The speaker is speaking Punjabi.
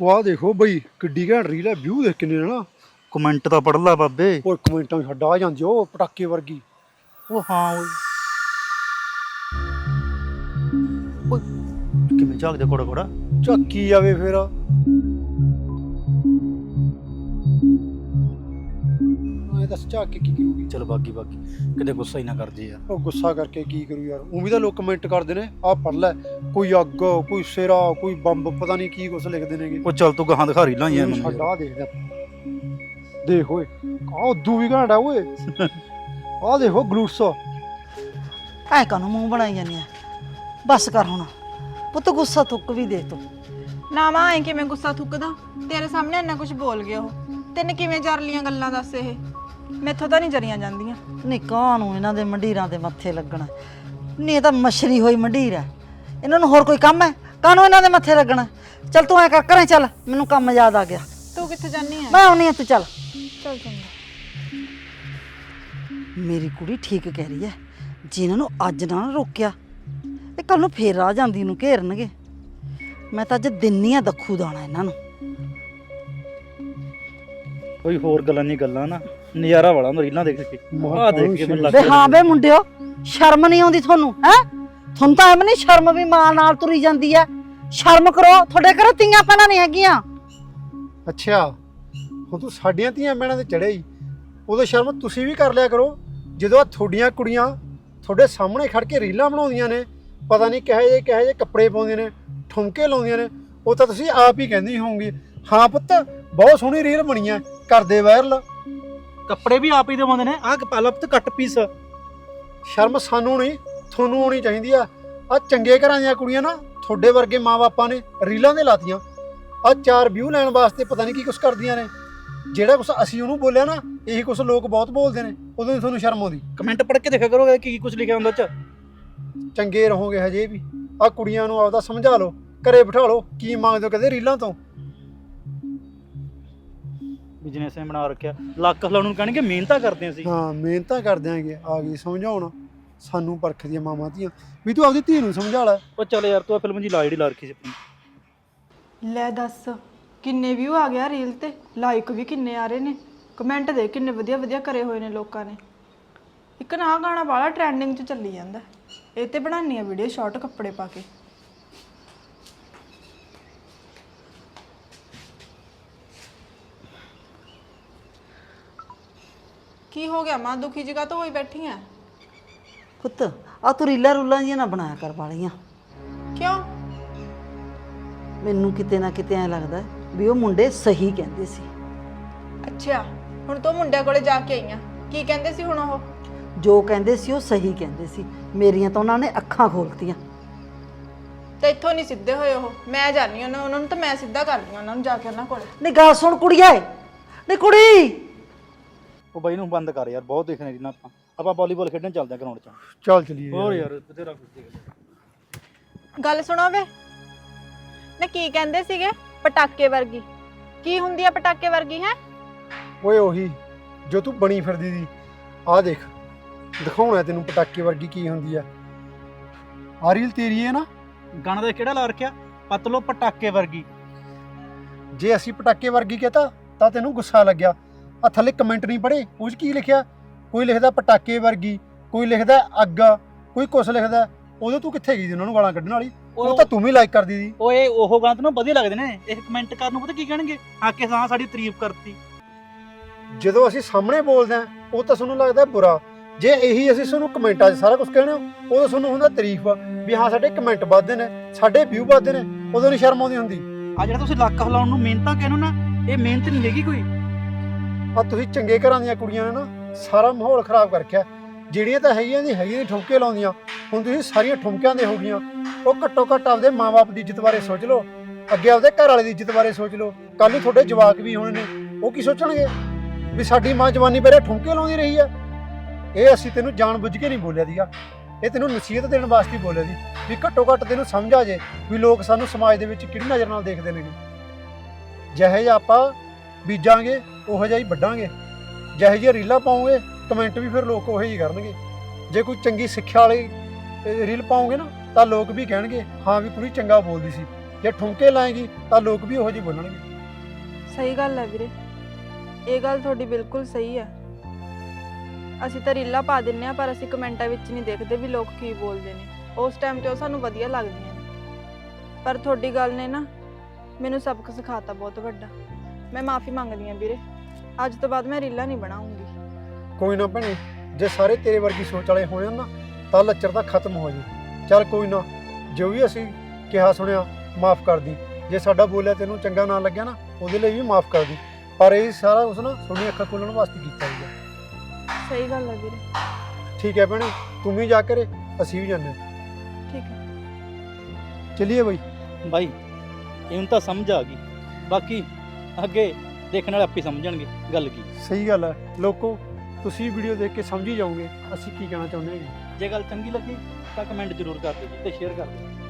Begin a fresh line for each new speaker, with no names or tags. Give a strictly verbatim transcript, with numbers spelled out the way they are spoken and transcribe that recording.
ਵਾਹ ਦੇਖੋ ਬਈ ਕਿੱਡੀ ਘੈਂਟ ਰੀਲ ਹੈ। ਵਿਊ ਦੇਖ ਕਿੰਨੇ ਨੇ ਨਾ।
ਕਮੈਂਟ ਤਾਂ ਪੜ ਲਾ ਬਾਬੇ।
ਓਏ ਕਮੈਂਟਾਂ ਛੱਡ ਆ ਜਾਂਦੀ ਉਹ ਪਟਾਕੇ ਵਰਗੀ।
ਉਹ ਹਾਂ ਓਏ ਓਏ ਕਿਵੇਂ ਝਾਕਦੇ ਕੋੜਾ ਕੋੜਾ।
ਝੱਕੀ ਜਾਵੇ ਫਿਰ। ਐ ਦੱਸ ਝੱਕ ਕੇ ਕੀ ਕਰੂਗੀ।
ਚਲ ਬਾਗੀ ਬਾਗੀ ਕਿਤੇ ਗੁੱਸਾ ਹੀ ਨਾ ਕਰ ਜੇ ਯਾਰ।
ਉਹ ਗੁੱਸਾ ਕਰਕੇ ਕੀ ਕਰੂ ਯਾਰ। ਉਹ ਵੀ ਤਾਂ ਲੋਕ ਕਮੈਂਟ ਕਰਦੇ ਨੇ ਆਹ ਪੜ ਲੈ, ਕੋਈ ਅੱਗ, ਕੋਈ ਸਿਰਾ, ਕੋਈ ਬੰਬ, ਪਤਾ ਨਹੀਂ ਕੀ ਕੁਛ ਲਿਖਦੇ ਨੇਗੇ।
ਉਹ ਚੱਲ ਤੂੰ ਗਾਹਾਂ ਦਿਖਾ ਰੀ ਲਾਈਆਂ
ਛੱਡ ਆ ਦੇਖਦਾ। ਦੇਖ ਓਏ ਆਹ ਉਦੋਂ ਵੀ ਘੈਂਟ ਆ ਓਏ। ਆਹ ਦੇਖੋ ਗਲੂਟਸ।
ਐ ਕਾਨੂੰ ਮੂੰਹ ਬਣਾਈ ਜਾਂਦੀ ਆ। ਬਸ ਕਰ ਹੁਣ ਪੁੱਤ, ਗੁੱਸਾ ਥੁੱਕ ਵੀ ਦੇ ਤੂੰ।
ਨਾ ਮਾਂ ਐ ਕਿਵੇਂ ਗੁੱਸਾ ਥੁੱਕਦਾ, ਤੇਰੇ ਸਾਹਮਣੇ ਇੰਨਾ ਕੁਝ ਬੋਲ ਗਿਆ ਉਹ। ਤੈਨੂੰ ਕਿਵੇਂ ਜਰ ਲੀਆਂ ਗੱਲਾਂ ਦੱਸ। ਇਹ ਮੈਥੋਂ ਤਾਂ ਨਹੀਂ ਜਰੀਆਂ ਜਾਂਦੀਆਂ।
ਨਹੀਂ ਕਾਹਨੂੰ ਇਹਨਾਂ ਦੇ ਮੰਡੀਰਾਂ ਦੇ ਮੱਥੇ ਲੱਗਣਾ। ਨਹੀਂ ਇਹ ਤਾਂ ਮਛਰੀ ਹੋਈ ਮੰਡੀਰ ਹੈ, ਇਹਨਾਂ ਨੂੰ ਹੋਰ ਕੋਈ ਕੰਮ ਹੈ? ਕਾਹਨੂੰ ਇਹਨਾਂ ਦੇ ਮੱਥੇ ਲੱਗਣਾ। ਚੱਲ ਤੂੰ ਐ ਕਰ ਘਰੇ ਚੱਲ, ਮੈਨੂੰ ਕੰਮ ਯਾਦ ਆ ਗਿਆ।
ਤੂੰ ਕਿੱਥੇ ਜਾਨੀ ਐ?
ਮੈਂ ਆਉਣੀ ਆ, ਤੂੰ ਚੱਲ।
ਚੱਲ ਚੰਗਾ।
ਮੇਰੀ ਕੁੜੀ ਠੀਕ ਕਹਿ ਰਹੀ ਹੈ, ਜਿਨ੍ਹਾਂ ਨੂੰ ਅੱਜ ਨਾ ਰੋਕਿਆ ਇਹ ਕੱਲ ਨੂੰ ਫੇਰ ਆ ਜਾਂਦੀ ਨੂੰ ਘੇਰਨਗੇ। ਮੈਂ ਤਾਂ ਅੱਜ ਦਿੰਨੀ ਆ ਦੱਖੂ ਦਾਣਾ ਇਹਨਾਂ ਨੂੰ।
ਕੋਈ ਹੋਰ ਗੱਲਾਂ ਨਹੀਂ ਗੱਲਾਂ ਨਾ ਨਜ਼ਾਰਾ ਵਾਲਾ ਰੀਲਾਂ ਦੇਖ ਕੇ। ਆਹ ਦੇਖ ਕੇ ਮੈਨੂੰ ਲੱਗ
ਵੇ ਹਾਂ ਵੇ ਮੁੰਡਿਓ, ਸ਼ਰਮ ਨਹੀਂ ਆਉਂਦੀ ਤੁਹਾਨੂੰ? ਹੈ ਤੁਹਾਨੂੰ ਤਾਂ ਐਵੇਂ ਨਹੀਂ ਸ਼ਰਮ ਵੀ ਮਾਂ ਨਾਲ ਤੁਰੀ ਜਾਂਦੀ ਹੈ। ਸ਼ਰਮ ਕਰੋ, ਤੁਹਾਡੇ ਘਰੇ ਧੀਆਂ ਭੈਣਾਂ ਨਹੀਂ ਹੈਗੀਆਂ।
ਅੱਛਾ ਹੁਣ ਤੂੰ ਸਾਡੀਆਂ ਧੀਆਂ ਭੈਣਾਂ ਤੇ ਚੜਿਆ ਹੀ, ਉਦੋਂ ਸ਼ਰਮ ਤੁਸੀਂ ਵੀ ਕਰ ਲਿਆ ਕਰੋ। ਜਦੋਂ ਆ ਤੁਹਾਡੀਆਂ ਕੁੜੀਆਂ ਤੁਹਾਡੇ ਸਾਹਮਣੇ ਖੜ ਕੇ ਰੀਲਾਂ ਬਣਾਉਂਦੀਆਂ ਨੇ, ਪਤਾ ਨਹੀਂ ਕਿਹੋ ਜਿਹੇ ਕਿਹੋ ਜਿਹੇ ਕੱਪੜੇ ਪਾਉਂਦੀਆਂ ਨੇ, ਠੁਮਕੇ ਲਾਉਂਦੀਆਂ ਨੇ, ਉਹ ਤਾਂ ਤੁਸੀਂ ਆਪ ਹੀ ਕਹਿੰਦੀ ਹੋਵੋਗੇ ਹਾਂ ਪੁੱਤ ਬਹੁਤ ਸੋਹਣੀ ਰੀਲ ਬਣੀ ਆ, ਕਰਦੇ ਵਾਇਰਲ।
ਕੱਪੜੇ ਵੀ ਆਪ ਹੀ ਦੇਵਾਉਂਦੇ ਨੇ। ਆਹ ਪਾਲਾ ਪੁੱਤ ਕੱਟ ਪੀਸ।
ਸ਼ਰਮ ਸਾਨੂੰ ਨਹੀਂ ਤੁਹਾਨੂੰ ਆਉਣੀ ਚਾਹੀਦੀ ਆ। ਆ ਚੰਗੇ ਘਰਾਂ ਦੀਆਂ ਕੁੜੀਆਂ ਨਾ ਤੁਹਾਡੇ ਵਰਗੇ ਮਾਂ-ਬਾਪਾਂ ਨੇ ਰੀਲਾਂ ਦੇ ਲਾਤੀਆਂ। ਆ ਚਾਰ ਵਿਊ ਲੈਣ ਵਾਸਤੇ ਪਤਾ ਨਹੀਂ ਕੀ ਕੁਛ ਕਰਦੀਆਂ ਨੇ। ਜਿਹੜਾ ਕੁਛ ਅਸੀਂ ਉਹਨੂੰ ਬੋਲਿਆ ਨਾ, ਇਹੀ ਕੁਛ ਲੋਕ ਬਹੁਤ ਬੋਲਦੇ ਨੇ, ਉਦੋਂ ਹੀ ਤੁਹਾਨੂੰ ਸ਼ਰਮ ਆਉਂਦੀ।
ਕਮੈਂਟ ਪੜ੍ਹ ਕੇ ਦੇਖਿਆ ਕਰੋ ਕੀ ਕੁਝ ਲਿਖਿਆ ਹੁੰਦਾ ਚ।
ਚੰਗੇ ਰਹੋਗੇ ਹਜੇ ਵੀ। ਆ ਕੁੜੀਆਂ ਨੂੰ ਆਪਦਾ ਸਮਝਾ ਲਓ, ਘਰੇ ਬਿਠਾ ਲਓ। ਕੀ ਮੰਗਦੇ ਹੋ ਕਹਿੰਦੇ ਰੀਲਾਂ ਤੋਂ?
ਬਿਜ਼ਨਸ ਨੇ ਬਣਾ ਰੱਖਿਆ, ਲੱਕ ਹਲਾਉਣ ਨੂੰ ਕਹਿਣਗੇ ਮਿਹਨਤਾਂ ਕਰਦੇ ਅਸੀਂ।
ਹਾਂ ਮਿਹਨਤਾਂ ਕਰ ਦਿਆਂਗੇ। ਆ ਗਈ ਸਮਝਾਉਣ ਸਾਨੂੰ ਪਰਖਦੀਆਂ ਮਾਵਾਂ ਧੀਆਂ ਵੀ। ਤੂੰ ਆਪਦੀ ਧੀ ਨੂੰ ਸਮਝਾ ਲੈ।
ਉਹ ਚੱਲ ਯਾਰ ਤੂੰ ਫਿਲਮ ਜੀ ਲਾ ਜਿਹੜੀ ਲਾ ਰੱਖੀ ਸੀ ਆਪਣੀ।
ਲੈ ਦੱਸ ਕਿੰਨੇ ਵਿਊ ਆ ਗਿਆ ਰੀਲ ਤੇ, ਲਾਈਕ ਵੀ ਕਿੰਨੇ ਆ ਰਹੇ ਨੇ, ਕਮੈਂਟ ਦੇ ਕਿੰਨੇ ਵਧੀਆ ਵਧੀਆ ਕਰੇ ਹੋਏ ਨੇ ਲੋਕਾਂ ਨੇ। ਇੱਕ ਨਾ ਆਹ ਗਾਣਾ ਵਾਲਾ ਟ੍ਰੈਂਡਿੰਗ 'ਚ ਚੱਲੀ ਜਾਂਦਾ, ਇਹ ਤੇ ਬਣਾਉਣੀ ਆ ਵੀਡੀਓ ਸ਼ਾਰਟ ਕੱਪੜੇ ਪਾ ਕੇ। ਕੀ ਹੋ ਗਿਆ ਮਾਂ, ਦੁਖੀ ਜਗ੍ਹਾ ਤੋਂ ਹੋਈ ਬੈਠੀ ਆ?
ਪੁੱਤ ਆ ਤੂੰ ਰੀਲਾਂ ਰੂਲਾਂ ਜੀਆਂ ਨਾ ਬਣਾਇਆ ਕਰ ਵਾਲੀਆਂ।
ਕਿਉਂ?
ਮੈਨੂੰ ਕਿਤੇ ਨਾ ਕਿਤੇ ਐ ਲੱਗਦਾ ਵੀ ਉਹ ਮੁੰਡੇ ਸਹੀ ਕਹਿੰਦੇ ਸੀ।
ਅੱਛਾ ਹੁਣ ਤੂੰ ਮੁੰਡਿਆਂ ਕੋਲੇ ਜਾ ਕੇ ਆਈਆਂ, ਕੀ ਕਹਿੰਦੇ ਸੀ ਹੁਣ ਉਹ?
ਜੋ ਕਹਿੰਦੇ ਸੀ ਉਹ ਸਹੀ ਕਹਿੰਦੇ ਸੀ। ਮੇਰੀਆਂ ਤਾਂ ਉਹਨਾਂ ਨੇ ਅੱਖਾਂ ਖੋਲਤੀਆਂ।
ਤੇ ਇੱਥੋਂ ਨਹੀਂ ਸਿੱਧੇ ਹੋਏ ਉਹ। ਮੈਂ ਜਾਣੀ ਉਹਨਾਂ ਉਹਨਾਂ ਨੂੰ ਤਾਂ ਮੈਂ ਸਿੱਧਾ ਕਰਦੀ ਉਹਨਾਂ ਨੂੰ ਜਾ ਕੇ ਉਹਨਾਂ ਕੋਲੇ।
ਨਹੀਂ ਗੱਲ ਸੁਣ ਕੁੜੀਏ, ਨਹੀਂ ਕੁੜੀ।
ਉਹ ਬਾਈ ਨੂੰ ਬੰਦ ਕਰ ਯਾਰ, ਬਹੁਤ ਦੇਖਣੇ ਰੀਲਾਂ ਆਪਾਂ। ਆਪਾਂ ਵਾਲੀਬਾਲ ਖੇਡਣ ਚੱਲਦੇ ਆ ਗਰਾਊਂਡ 'ਚ।
ਚੱਲ ਚਲੀਏ।
ਹੋਰ ਯਾਰ ਬਥੇਰਾ ਕੁਝ ਦੇਖ।
ਗੱਲ ਸੁਣੋ ਵੇ ਨਾ, ਕੀ ਕਹਿੰਦੇ ਸੀਗੇ ਪਟਾਕੇ ਵਰਗੀ? ਕੀ ਹੁੰਦੀ ਆ ਪਟਾਕੇ ਵਰਗੀ? ਹੈ
ਓਏ ਉਹੀ ਜੋ ਤੂੰ ਬਣੀ ਫਿਰਦੀ ਦੀ। ਆਹ ਦੇਖ ਦਿਖਾਉਣਾ ਤੈਨੂੰ ਪਟਾਕੇ ਵਰਗੀ ਕੀ ਹੁੰਦੀ ਆ। ਆ ਰੀਲ ਤੇਰੀ ਹੈ ਨਾ?
ਗਾਣਾ ਦਾ ਕਿਹੜਾ ਲਾ ਰੱਖਿਆ? ਪਤਲੋ ਪਟਾਕੇ ਵਰਗੀ।
ਜੇ ਅਸੀਂ ਪਟਾਕੇ ਵਰਗੀ ਕਹਤਾ ਤਾਂ ਤੈਨੂੰ ਗੁੱਸਾ ਲੱਗਿਆ। ਆ ਥੱਲੇ ਕਮੈਂਟ ਨਹੀਂ ਪੜ੍ਹੇ, ਉਹ 'ਚ ਕੀ ਲਿਖਿਆ? ਕੋਈ ਲਿਖਦਾ ਪਟਾਕੇ ਵਰਗੀ, ਕੋਈ ਲਿਖਦਾ ਅੱਗ, ਕੋਈ ਕੁਛ ਲਿਖਦਾ। ਉਦੋਂ ਤੂੰ ਕਿੱਥੇ ਗਈ ਸੀ ਉਹਨਾਂ ਨੂੰ ਗਾਲਾਂ ਕੱਢਣ ਵਾਲੀ? ਉਹ ਤਾਂ ਤੂੰ ਵੀ ਲਾਈਕ ਕਰਦੀ ਸੀ।
ਓਏ ਉਹ ਗਾਣਾ ਤੈਨੂੰ ਵਧੀਆ ਲੱਗਦੇ ਨੇ, ਇਹ ਕਮੈਂਟ ਕਰਨ ਨੂੰ ਪਤਾ ਕੀ ਕਹਿਣਗੇ? ਆ ਕੇ ਹਾਂ ਸਾਡੀ ਤਾਰੀਫ ਕਰਤੀ।
ਜਦੋਂ ਅਸੀਂ ਸਾਹਮਣੇ ਬੋਲਦੇ ਆ ਉਹ ਤਾਂ ਤੁਹਾਨੂੰ ਲੱਗਦਾ ਬੁਰਾ। ਜੇ ਇਹੀ ਅਸੀਂ ਤੁਹਾਨੂੰ ਕਮੈਂਟਾਂ 'ਚ ਸਾਰਾ ਕੁਝ ਕਹਿਣਾ, ਉਦੋਂ ਤੁਹਾਨੂੰ ਹੁੰਦਾ ਤਾਰੀਫ ਵੀ ਹਾਂ ਸਾਡੇ ਕਮੈਂਟ ਵੱਧਦੇ ਨੇ, ਸਾਡੇ ਵਿਊ ਵੱਧਦੇ ਨੇ। ਉਦੋਂ ਨਹੀਂ ਸ਼ਰਮ ਆਉਂਦੀ ਹੁੰਦੀ?
ਆ ਜਿਹੜਾ ਤੁਸੀਂ ਲੱਕ ਹਿਲਾਉਣ ਨੂੰ ਮਿਹਨਤਾਂ ਕਹਿੰਦੇ ਨਾ, ਇਹ ਮਿਹਨਤ ਨਹੀਂ ਹੈਗੀ ਕੋਈ।
ਆ ਤੁਸੀਂ ਚੰਗੇ ਘਰਾਂ ਦੀਆਂ ਕੁੜੀਆਂ ਨੇ ਨਾ ਸਾਰਾ ਮਾਹੌਲ ਖਰਾਬ ਕਰ ਰੱਖਿਆ। ਜਿਹੜੀਆਂ ਤਾਂ ਹੈਗੀਆਂ ਦੀ ਹੈਗੀਆਂ ਠੁਮਕੇ ਲਾਉਂਦੀਆਂ, ਹੁਣ ਤੁਸੀਂ ਸਾਰੀਆਂ ਠੁਮਕਿਆਂ ਦੇ ਹੋ ਗਈਆਂ। ਉਹ ਘੱਟੋ ਘੱਟ ਆਪਦੇ ਮਾਂ-ਬਾਪ ਦੀ ਇੱਜ਼ਤ ਬਾਰੇ ਸੋਚ ਲਓ, ਅੱਗੇ ਆਪਦੇ ਘਰ ਵਾਲੇ ਦੀ ਇੱਜ਼ਤ ਬਾਰੇ ਸੋਚ ਲਓ। ਕੱਲ੍ਹ ਨੂੰ ਤੁਹਾਡੇ ਜਵਾਕ ਵੀ ਹੋਣੇ ਨੇ, ਉਹ ਕੀ ਸੋਚਣਗੇ ਵੀ ਸਾਡੀ ਮਾਂ ਜਵਾਨੀ ਪਹਿਲੇ ਠੁਮਕੇ ਲਾਉਂਦੀ ਰਹੀ ਆ। ਇਹ ਅਸੀਂ ਤੈਨੂੰ ਜਾਣ ਬੁੱਝ ਕੇ ਨਹੀਂ ਬੋਲਿਆ ਦੀਗਾ, ਇਹ ਤੈਨੂੰ ਨਸੀਹਤ ਦੇਣ ਵਾਸਤੇ ਬੋਲਿਆ ਦੀ ਵੀ ਘੱਟੋ ਘੱਟ ਤੈਨੂੰ ਸਮਝ ਆ ਜੇ ਵੀ ਲੋਕ ਸਾਨੂੰ ਸਮਾਜ ਦੇ ਵਿੱਚ ਕਿਹੜੀ ਨਜ਼ਰ ਨਾਲ ਦੇਖਦੇ ਨੇ। ਜਿਹੇ ਜਿਹਾ ਆਪਾਂ ਬੀਜਾਂਗੇ ਉਹੋ ਜਿਹਾ ਹੀ ਵੱਢਾਂਗੇ। ਜਿਹੇ ਜਿਹੀਆਂ ਰੀਲਾਂ ਪਾਓਗੇ ਕਮੈਂਟ ਵੀ ਫਿਰ ਲੋਕ ਉਹੋ ਜਿਹੀ ਕਰਨਗੇ। ਜੇ ਕੋਈ ਚੰਗੀ ਸਿੱਖਿਆ ਵਾਲੀ ਰੀਲ ਪਾਓਗੇ ਨਾ ਤਾਂ ਲੋਕ ਵੀ ਕਹਿਣਗੇ ਹਾਂ ਵੀ ਕੁੜੀ ਚੰਗਾ ਬੋਲਦੀ ਸੀ। ਜੇ ਠੁਮਕੇ ਲਾਏਗੀ ਤਾਂ ਲੋਕ ਵੀ ਉਹੋ ਜਿਹੇ ਬੋਲਣਗੇ।
ਸਹੀ ਗੱਲ ਹੈ ਵੀਰੇ, ਇਹ ਗੱਲ ਤੁਹਾਡੀ ਬਿਲਕੁਲ ਸਹੀ ਹੈ। ਅਸੀਂ ਤਾਂ ਰੀਲਾਂ ਪਾ ਦਿੰਨੇ ਆ, ਪਰ ਅਸੀਂ ਕਮੈਂਟਾਂ ਵਿੱਚ ਨਹੀਂ ਦੇਖਦੇ ਵੀ ਲੋਕ ਕੀ ਬੋਲਦੇ ਨੇ। ਉਸ ਟਾਈਮ ਤੇ ਉਹ ਸਾਨੂੰ ਵਧੀਆ ਲੱਗਦੀਆਂ ਨੇ, ਪਰ ਤੁਹਾਡੀ ਗੱਲ ਨੇ ਨਾ ਮੈਨੂੰ ਸਬਕ ਸਿਖਾਤਾ ਬਹੁਤ ਵੱਡਾ। ਮੈਂ ਮਾਫੀ ਮੰਗਦੀ ਹਾਂ ਵੀਰੇ, ਅੱਜ ਤੋਂ ਬਾਅਦ ਮੈਂ ਰੀਲਾਂ ਨਹੀਂ ਬਣਾਉਂਗੀ।
ਕੋਈ ਨਾ ਭੈਣੇ, ਜੇ ਸਾਰੇ ਤੇਰੇ ਵਰਗੀ ਸੋਚ ਵਾਲੇ ਹੋ ਜਾਣ ਨਾ ਤਾਂ ਲੱਚਰ ਤਾਂ ਖਤਮ ਹੋ ਜੇ। ਚੱਲ ਕੋਈ ਨਾ, ਜੋ ਵੀ ਅਸੀਂ ਕਿਹਾ ਸੁਣਿਆ ਮਾਫ ਕਰ ਦੀ। ਜੇ ਸਾਡਾ ਬੋਲਿਆ ਤੈਨੂੰ ਚੰਗਾ ਨਾ ਲੱਗਿਆ ਨਾ, ਉਹਦੇ ਲਈ ਵੀ ਮਾਫ ਕਰ ਦੀ। ਪਰ ਇਹ ਸਾਰਾ ਕੁਛ ਨਾ ਤੁਹਾਡੀਆਂ ਅੱਖਾਂ ਖੋਲ੍ਹਣ ਵਾਸਤੇ ਕੀਤਾ ਸੀਗਾ।
ਸਹੀ ਗੱਲ ਹੈ ਵੀਰੇ।
ਠੀਕ ਹੈ ਭੈਣੇ, ਤੂੰ ਵੀ ਜਾ ਕਰੇ, ਅਸੀਂ ਵੀ ਜਾਂਦੇ ਹਾਂ।
ਠੀਕ ਹੈ,
ਚਲਿਏ ਬਈ।
ਬਾਈ ਇਹਨੂੰ ਤਾਂ ਸਮਝ ਆ ਗਈ, ਬਾਕੀ ਅੱਗੇ ਦੇਖਣ ਵਾਲੇ ਆਪੇ ਸਮਝਣਗੇ ਗੱਲ ਕੀ।
ਸਹੀ ਗੱਲ ਹੈ। ਲੋਕੋ, ਤੁਸੀਂ ਵੀਡੀਓ ਦੇਖ ਕੇ ਸਮਝ ਹੀ ਜਾਓਗੇ ਅਸੀਂ ਕੀ ਕਹਿਣਾ ਚਾਹੁੰਦੇ ਹਾਂ।
ਜੇ ਗੱਲ ਚੰਗੀ ਲੱਗੀ ਤਾਂ ਕਮੈਂਟ ਜ਼ਰੂਰ ਕਰ ਦਿਓ ਜੀ ਤੇ ਸ਼ੇਅਰ ਕਰ ਦਿਓ।